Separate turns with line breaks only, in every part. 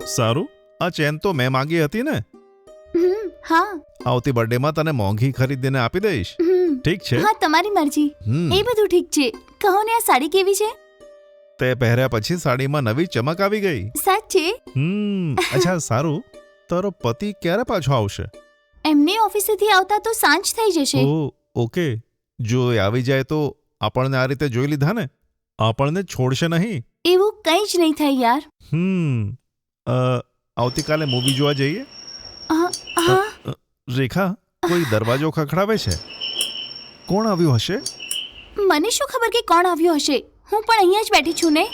સારું, આ ચેન તો મેં માંગી હતી ને.
હા.
આવતી બર્થડેમાં તને મોંઘી ખરીદીને આપી દઈશ. ઠીક છે.
હા, તમારી મરજી. એ બધું ઠીક છે. કહો ને, આ સાડી કેવી છે?
તે પહેર્યા પછી સાડીમાં નવી ચમક આવી ગઈ.
સાચે?
અચ્છા સારું, તારો પતિ ક્યારે પાછો આવશે?
એમને ઓફિસેથી આવતા તો સાંજ થઈ જશે.
ઓકે, જો એ આવી જાય તો આપણને આ રીતે જોઈ લીધા ને, આપણને છોડશે નહીં.
એવું કંઈ જ નહીં થાય યાર.
આવતીકાલે મૂવી જોવા જઈએ? રેખા, કોઈ દરવાજો ખખડાવે છે. કોણ આવ્યું હશે?
મને શું ખબર કે કોણ આવ્યું હશે. હું પણ અહીંયા જ બેઠી છું ને.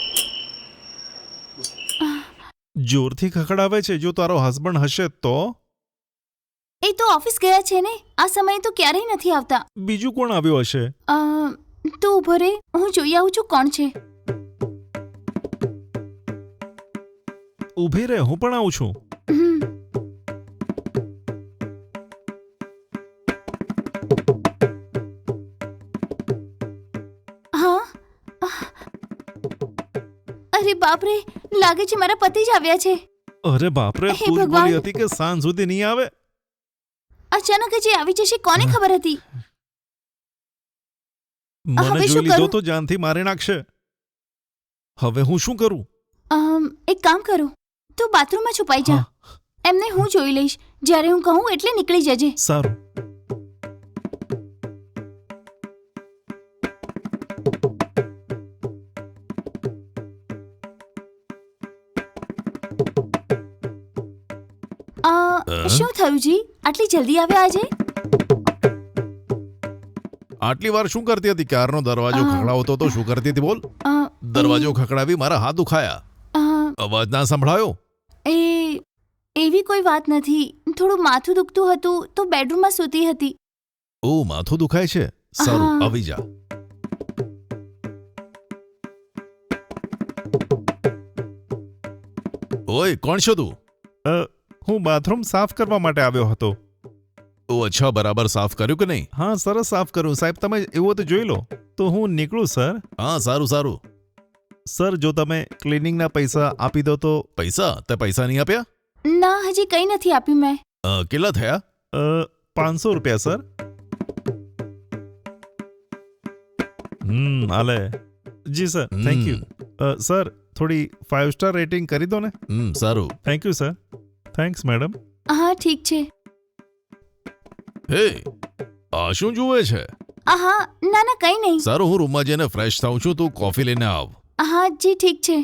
જોરથી ખખડાવે છે. જો તારો હસબન્ડ હશે તો?
એ તો ઓફિસ ગયા છે ને, આ સમયે તો ક્યારેય નથી આવતા.
બીજું કોણ આવ્યું હશે?
તું ઊભો રે, હું જોઈ આવું છું કોણ છે.
ઊભી રહે, હું પણ આવું છું.
અરે બાપરે, લાગે છે મારા પતિ જ આવ્યા છે.
અરે બાપરે, તું જ બોલી હતી કે સાંજ સુધી નહીં આવે.
અચાનક જ આવી જશે, કોને ખબર હતી?
મને જોઈ લીધો તો જાનથી મારી નાખશે. હવે હું શું કરું?
એક કામ કરો, તું બાથરૂમમાં છુપાઈ જા. એમને હું જોઈ લઈશ. જ્યારે હું કહું એટલે નીકળી જજે.
સારું.
શું થયું જી? આટલી જલ્દી આવ્યા આજે?
આટલી વાર શું કરતી હતી? ક્યારનો દરવાજો ખખડાવતો તો શું કરતી હતી બોલ? દરવાજો ખખડાવી મારા હાથ દુખાયા. અવાજ ના સંભળાયો?
એવી કોઈ વાત નથી. થોડું માથું દુખતું હતું તો બેડરૂમમાં સૂતી હતી.
ઓ, માથું દુખાય છે? સારું, આવી જા. ઓય, કોણ છો તું? હું બાથરૂમ સાફ કરવા માટે આવ્યો હતો. ઓ અચ્છા, બરાબર સાફ કર્યું કે નહીં? હા, સરસ સાફ કર્યું સાહેબ. તમે એવું તો જોઈ લો. તો હું નીકળું સર? હા, સારું સારું. સર, જો તમે ક્લિનિંગના પૈસા આપી દો તો. પૈસા? તે પૈસા નહીં આપ્યા?
ના, હજી કંઈ નથી આપ્યું મેં.
કેટલા થયા? 500 રૂપિયા સર. આલે. જી સર, થેન્ક યુ. સર, થોડી 5 સ્ટાર રેટિંગ કરી દો ને. સારું. Thank you sir. Thanks madam.
હા, ઠીક છે.
હે, આ શું જુએ છે?
હા, ના ના, કંઈ નહીં.
સારું, હું રૂમમાં જઈને ફ્રેશ થાઉં છું. તું કોફી લઈને આવ.
હા જી, ઠીક છે.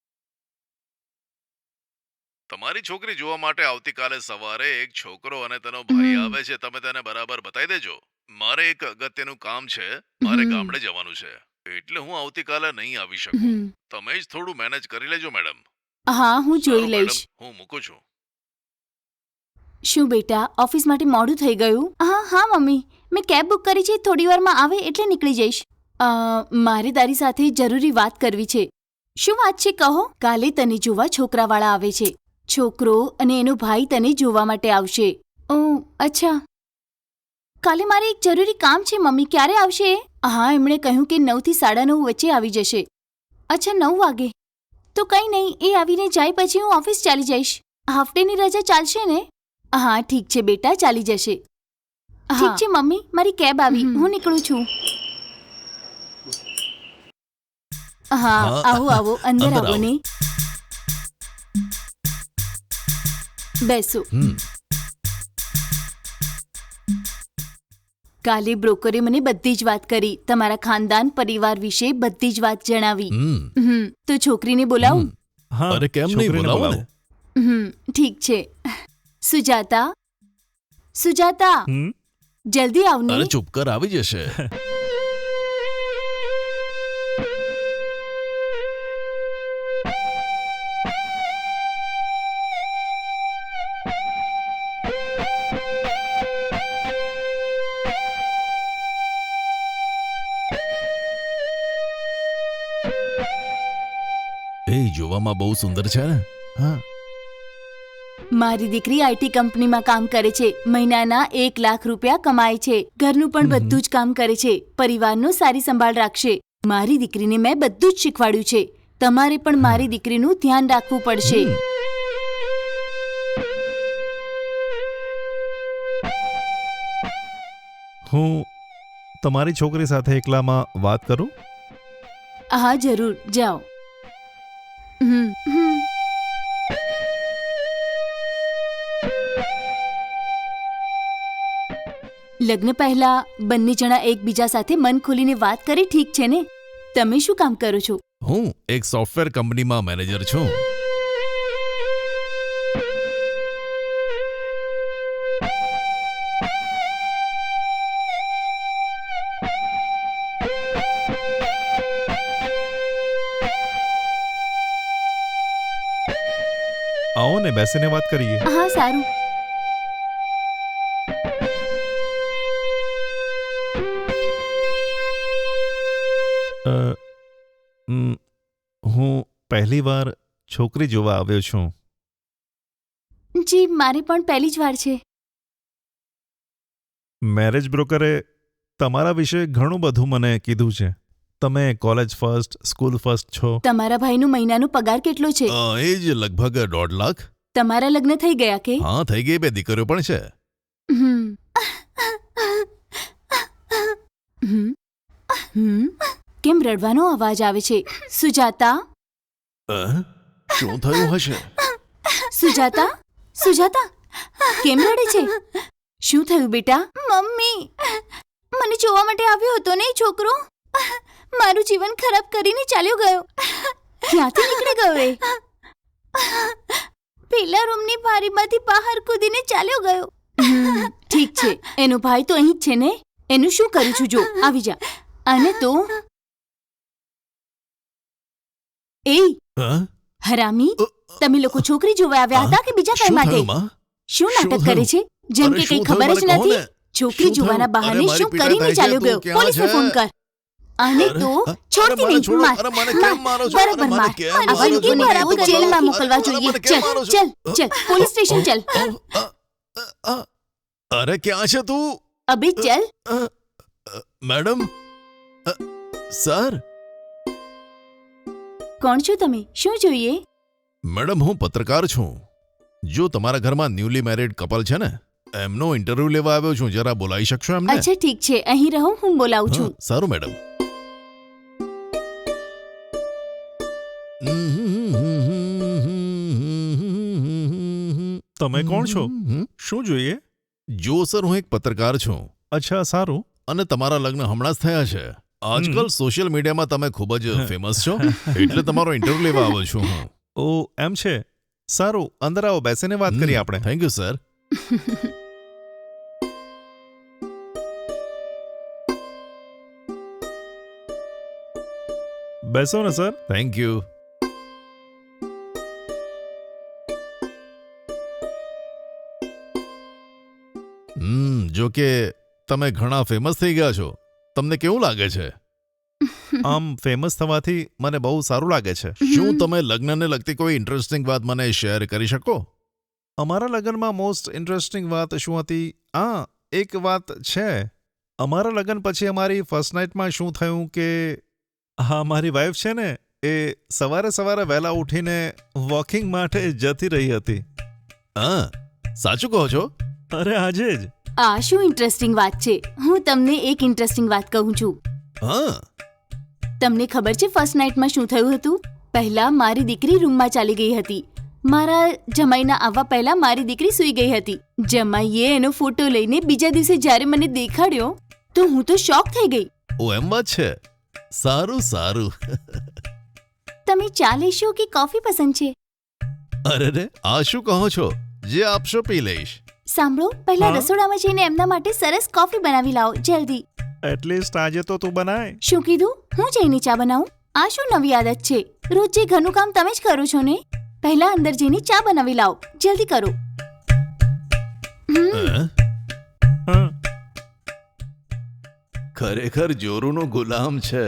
તમારી છોકરી જોવા માટે આવતીકાલે સવારે એક છોકરો અને તેનો ભાઈ આવે છે. તમે તેને બરાબર બતાવી દેજો. મારે એક અગત્યનું કામ છે. મારે ગામડે જવાનું છે, એટલે હું આવતીકાલે નહીં આવી શકું. તમે જ થોડું મેનેજ કરી લેજો મેડમ.
હા, હું જોઈ લઈશ.
હું મૂકું છું.
શું બેટા, ઓફિસ માટે મોડું થઈ ગયું? હા મમ્મી, મેં કેબ બુક કરી છે. થોડી વારમાં આવે એટલે નીકળી જઈશ. મારે તારી સાથે જરૂરી વાત કરવી છે. શું વાત છે કહો? કાલે તને જોવા છોકરાવાળા આવે છે. છોકરો અને એનો ભાઈ તને જોવા માટે આવશે. ઓહ, અચ્છા. કાલે મારે એક જરૂરી કામ છે મમ્મી. ક્યારે આવશે? હા, એમણે કહ્યું કે 9 થી 9:30 વચ્ચે આવી જશે. અચ્છા, 9 વાગે? તો કંઈ નહીં, એ આવીને જાય પછી હું ઓફિસ ચાલી જઈશ. હાફ ડેની રજા ચાલશે ને? હા, ઠીક છે બેટા, ચાલી જશે. ઠીક છે મમ્મી, મારી કેબ આવી. હું નીકળું છું. હા, આવો આવો, અંદર આવો ને. બેસો. કાલે બ્રોકરે મને બધી જ વાત કરી. તમારા ખાનદાન પરિવાર વિશે બધી જ વાત જણાવી. તો છોકરીને બોલાવું?
અરે કેમ નહીં, બોલાવો ને.
ઠીક છે. સુજાતા, સુજાતા, જલ્દી આવને.
અરે ચૂપ કર, આવી જશે. એ જોવામાં બહુ સુંદર છે ને. હા,
મારી દીકરી આઈટી કંપનીમાં કામ કરે છે. મહિનાના 1 લાખ રૂપિયા કમાય છે. ઘરનું પણ બધું જ કામ કરે છે. પરિવારનો સારી સંભાળ રાખશે. મારી દીકરીને મેં બધું જ શીખવાડ્યું છે. તમારે પણ મારી દીકરીનું ધ્યાન રાખવું પડશે.
હું તમારી છોકરી સાથે એકલામાં વાત કરું?
હા જરૂર, જાઓ. લગ્ન પહેલા બંને જણા એકબીજા સાથે મન ખોલીને વાત કરી ઠીક છે ને? તમે શું કામ કરો છો?
હું એક સોફ્ટવેર કંપનીમાં મેનેજર છું. આવો ને, બેસીને વાત કરીએ.
હા સારું.
હું પહેલી વાર છોકરી જોવા આવ્યો છું.
જી, મારી પણ પહેલી જ વાર છે.
મેરેજ બ્રોકરે તમારા વિશે ઘણું બધું મને કીધું છે. તમે કોલેજ ફર્સ્ટ, સ્કૂલ ફર્સ્ટ છો.
તમારા ભાઈનો મહિનાનો પગાર કેટલો છે?
એ જ લગભગ 1.5 લાખ.
તમારા લગ્ન થઈ ગયા કે?
હા, થઈ ગઈ. 2 દીકરીઓ પણ છે.
કેમ રડવાનો અવાજ આવે છે? સુજાતા,
શું થયું હશે?
સુજાતા, સુજાતા, કેમ રડે છે? શું થયું બેટા? મમ્મી, મને જોવા માટે આવ્યો હતો ને છોકરો. મારું જીવન ખરાબ કરીને ચાલ્યો ગયો. ક્યાંથી નીકળી ગયો એ? પેલા રૂમની બારીમાંથી બહાર કૂદીને ચાલ્યો ગયો. ઠીક છે, એનો ભાઈ તો અહીં જ છે ને? એનું શું કરું છું જો, આવી જા. અને તો એ હરામી, તમે લોકો છોકરી જોવા આવ્યા હતા કે બીજા કઈ માટે? શું નાટક કરે છે? જેમ કે કઈ ખબર જ નથી. છોકરી જોવાના બહાને શું કરીને ચાલ્યો ગયો? પોલીસને ફોન કર. અને તો છોડતી નહીં, માર. બરાબર માર. આવા લોકોને જેલમાં મોકલવા જોઈએ. ચલ ચલ ચલ, પોલીસ સ્ટેશન ચલ.
અરે ક્યાં છે તું?
અબે ચલ.
Madam, sir.
કોણ છો તમે? શું જોઈએ?
મેડમ, હું પત્રકાર છું. જો તમારા ઘરમાં ન્યૂલી મેરિડ કપલ છે ને, એમનો ઇન્ટરવ્યુ લેવા આવ્યો છું. જરા બોલાવી શકશો એમને?
અચ્છા ઠીક છે, અહીં રહો, હું બોલાવું છું.
સારું મેડમ. તમે કોણ છો? શું જોઈએ? જો સર, હું એક પત્રકાર છું. અચ્છા, સારું. અને તમારા લગ્ન હમણાં જ થયા છે. આજકાલ સોશિયલ મીડિયામાં તમે ખૂબ જ ફેમસ છો, એટલે તમારો ઇન્ટરવ્યુ લેવા આવ્યો છું હું. ઓ, એમ છે. સારું, અંદર આવો, બેસીને વાત કરીએ આપણે. Thank you sir. બેસો ને સર. Thank you. જો કે તમે ઘણા ફેમસ થઈ ગયા છો. તમને કેવું લાગે છે? આમ ફેમસ થવાથી મને બહુ સારું લાગે છે. શું તમે લગ્નને લગતી કોઈ ઇન્ટરેસ્ટિંગ વાત મને શેર કરી શકો? અમારા લગ્નમાં મોસ્ટ ઇન્ટરેસ્ટિંગ વાત શું હતી? એક વાત છે. અમારા લગ્ન પછી અમારી ફર્સ્ટ નાઇટમાં શું થયું કે મારી વાઈફ છે ને, એ સવારે સવારે વહેલા ઉઠીને વોકિંગ માટે જતી રહી હતી. સાચું કહો છો? અરે આજે જ.
આ શું ઇન્ટરેસ્ટિંગ વાત છે? હું તમને એક ઇન્ટરેસ્ટિંગ વાત કહું છું. તમને ખબર છે ફર્સ્ટ નાઇટમાં શું થયું હતું? પહેલા મારી દીકરી રૂમમાં ચાલી ગઈ હતી. મારા જમાઈના આવવા પહેલા મારી દીકરી સૂઈ ગઈ હતી. જમાઈએ એનો ફોટો લઈને બીજા દિવસે જ્યારે મને દેખાડ્યો તો હું તો શોક થઈ ગઈ.
ઓ, એમ વાત છે. સારું સારું.
તમે ચા લેશો કે કોફી પસંદ છે?
અરે રે, આ શું કહો છો? જે આપશો પી લઈશ.
સાંભળો, પહેલા રસોડામાં જઈને એમના માટે સરસ કોફી બનાવી લાવો, જલ્દી.
એટલીસ્ટ આજે તો તું બનાય.
શું કીધું? હું જઈને ચા બનાવું? આ શું નવી આદત છે? રોજ જે ઘરનું કામ તમે જ કરો છો ને? પહેલા અંદર જઈને ચા બનાવી લાવો, જલ્દી કરો.
ખરેખર જોરુનો ગુલામ છે.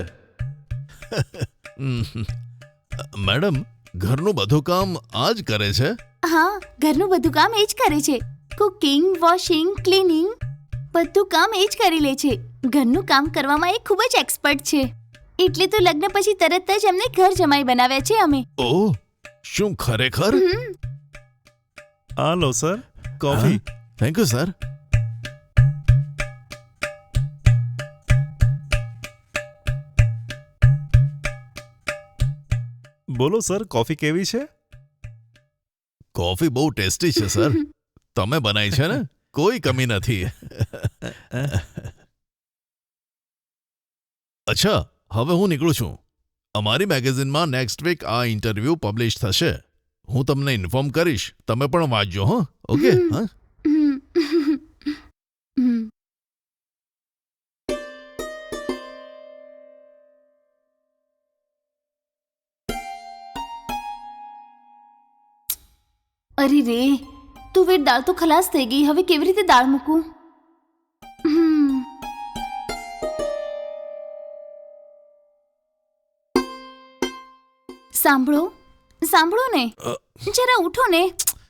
મેડમ, ઘરનું બધું કામ આ જ કરે છે?
હા, ઘરનું બધું કામ એ જ કરે છે. કુકિંગ, વોશિંગ, ક્લીનિંગ બધું કામ એ જ કરી લે છે. ઘરનું કામ કરવામાં એ ખૂબ જ એક્સપર્ટ છે. એટલે તો લગ્ન પછી તરત જ એમને ઘર જમાઈ બનાવ્યા છે અમે.
ઓહ, શું ખરેખર? આ લો sir, coffee. Thank you sir. બોલો સર, કોફી કેવી છે? કોફી બહુ ટેસ્ટી છે સર. તમે બનાવી છે ને, કોઈ કમી નથી. અચ્છા, હવે હું નીકળું છું. અમારી મેગેઝિનમાં નેક્સ્ટ વીક આ ઇન્ટરવ્યૂ પબ્લિશ થશે. હું તમને ઇન્ફોર્મ કરીશ. તમે પણ વાંચજો. હા, ઓકે. હા.
અરે રે, તુવેર દાળ તો ખલાસ થઈ ગઈ. હવે કેવી રીતે દાળ મૂકું? સાંભળો સાંભળો ને, જરા ઉઠો ને.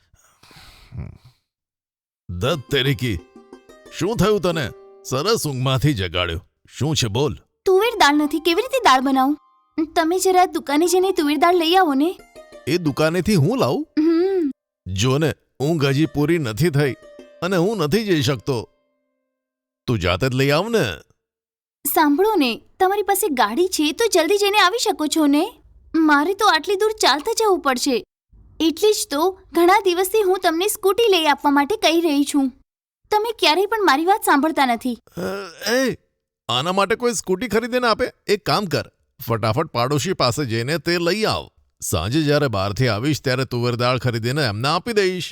દત્ત તેરીકી, શું થયું તને? સરસ ઊંઘમાંથી જગાડ્યો. શું છે બોલ?
તુવેર દાળ નથી, કેવી રીતે દાળ બનાવું? તમે જરા દુકાને જઈને તુવેર દાળ લઈ આવો ને.
એ દુકાનેથી હું લાવું? જો ને, ઊંઘ હજી પૂરી નથી થઈ અને હું નથી જઈ શકતો. તું જાતે જ લઈ આવ ને.
સાંભળો ને, તમારી પાસે ગાડી છે તો જલ્દી જઈને આવી શકો છો ને. મારે તો આટલી દૂર ચાલતા જવું પડશે. એટલે જ તો ઘણા દિવસથી હું તમને સ્કૂટી લઈ આપવા માટે કહી રહી છું. તમે ક્યારેય પણ મારી વાત સાંભળતા નથી.
આના માટે કોઈ સ્કૂટી ખરીદીને આપે? એક કામ કર, ફટાફટ પાડોશી પાસે જઈને તે લઈ આવ. સાંજે જ્યારે બહારથી આવીશ ત્યારે તુવેર દાળ ખરીદીને એમને આપી દઈશ.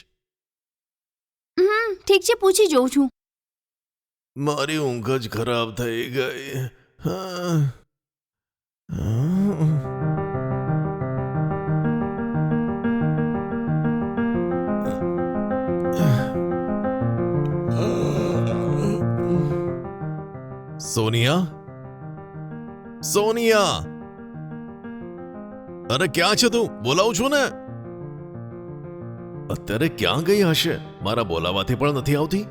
ઠીક છે, પૂછી જોઉં છું.
મારી ઊંઘ જ ખરાબ થઈ ગઈ. સોનિયા, સોનિયા, અરે ક્યાં છે તું? બોલાવું છું ને. અત્યારે ક્યાં ગઈ હશે? મારા બોલાવાથી પણ નથી આવતી.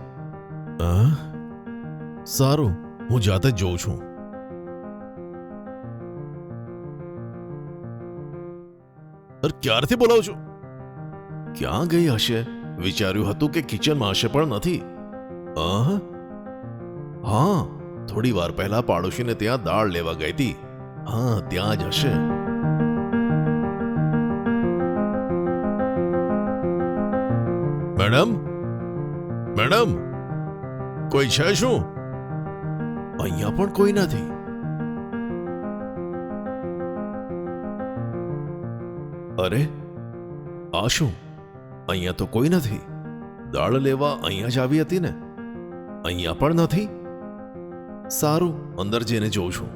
સારું, હું જાતે જ જોઉં છું. અરે ક્યારથી બોલાવું છું? ક્યાં ગઈ હશે? વિચાર્યું હતું કે કિચનમાં હશે પણ નથી. હા, થોડી વાર પહેલા પાડોશીને ત્યાં દાળ લેવા ગઈ હતી. હા, ત્યાં જ હશે. મેડમ, મેડમ, કોઈ છે શું? અહીંયા પણ કોઈ નથી. અરે આ શું? અહીંયા તો કોઈ નથી. દાળ લેવા અહીંયા જ આવી હતી ને. અહીંયા પણ નથી. સારું, અંદર જઈને જોઉં છું.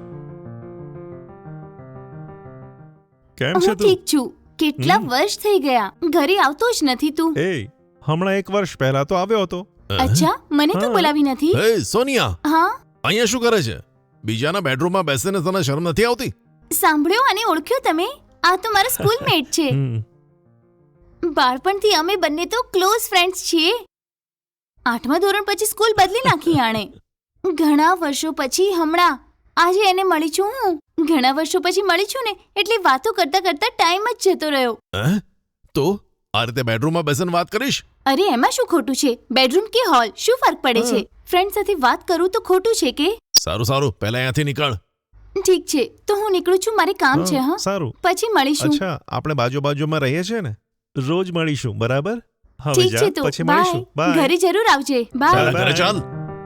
કેમ
હું
છે તું?
ઠીક છું. કેટલા વર્ષ થઈ ગયા, ઘરે આવતો જ નથી તું.
એ હમણાં 1 વર્ષ પહેલા તો આવ્યો હતો.
અચ્છા, મને તો
હા.
બોલાવી નથી.
હે સોનિયા,
હા,
અહીંયા શું કરે છે? બીજાના બેડરૂમમાં બેસીને તને શરમ નથી આવતી?
સાંભળ્યો અને ઓળખ્યો તમે? આ તો મારો સ્કૂલમેટ છે.
હમ.
બાળપણથી અમે બંને તો ક્લોઝ ફ્રેન્ડ્સ છીએ. 8મા ધોરણ પછી સ્કૂલ બદલી નાખી આણે. ઘણા વર્ષો પછી હમણાં આજે એને મળી છું હું. ઘણા વર્ષો પછી મળી છું ને, એટલે વાતો કરતા કરતા ટાઈમ જ જતો રહ્યો.
તો આ રીતે બેડરૂમમાં બેસીને વાત કરીશ?
અરે એમાં શું ખોટું છે? બેડરૂમ કે હોલ, શું ફરક પડે છે? ફ્રેન્ડ સાથે વાત કરું તો ખોટું છે કે?
સારું સારું, પહેલા અહીંયાથી નીકળ.
ઠીક છે, તો હું નીકળું છું, મારે કામ છે. હા,
સારું.
પછી મળીશું.
અચ્છા, આપણે બાજુમાં રહીએ છીએ ને, રોજ મળીશું, બરાબર? હવે
ઠીક
જા,
છે, તો
પછી મળીશું.
બાય.
બાય.
ઘરે જરૂર આવજે. બાય.
ચાલ ઘરે ચાલ.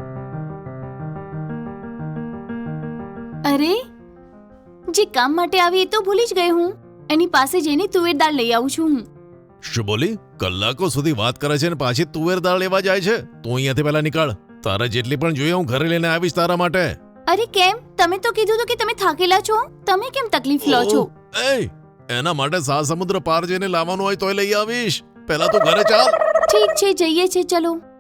અરે, જે કામ માટે આવી એ તો ભૂલી જ ગઈ હું. એની પાસે જઈને તુવેર દાળ લઈ આવું છું હું.
શું બોલી? કલાકો સુધી વાત કરે છે ને પાછી તુવેર દાળ લેવા જાય છે? તું અહીંયાથી પહેલા નીકળ. તારે જેટલી પણ જોઈએ હું ઘરે લઈને આવીશ તારા માટે.
અરે કેમ? તમે તો કીધું હતું કે તમે થાકેલા છો. તમે કેમ તકલીફ લો છો?
એના માટે સમુદ્ર પાર જઈને લાવવાનું હોય તોય લઈ આવીશ. પહેલા તું ઘરે ચાલ.
ઠીક છે, જઈએ છે, ચલો.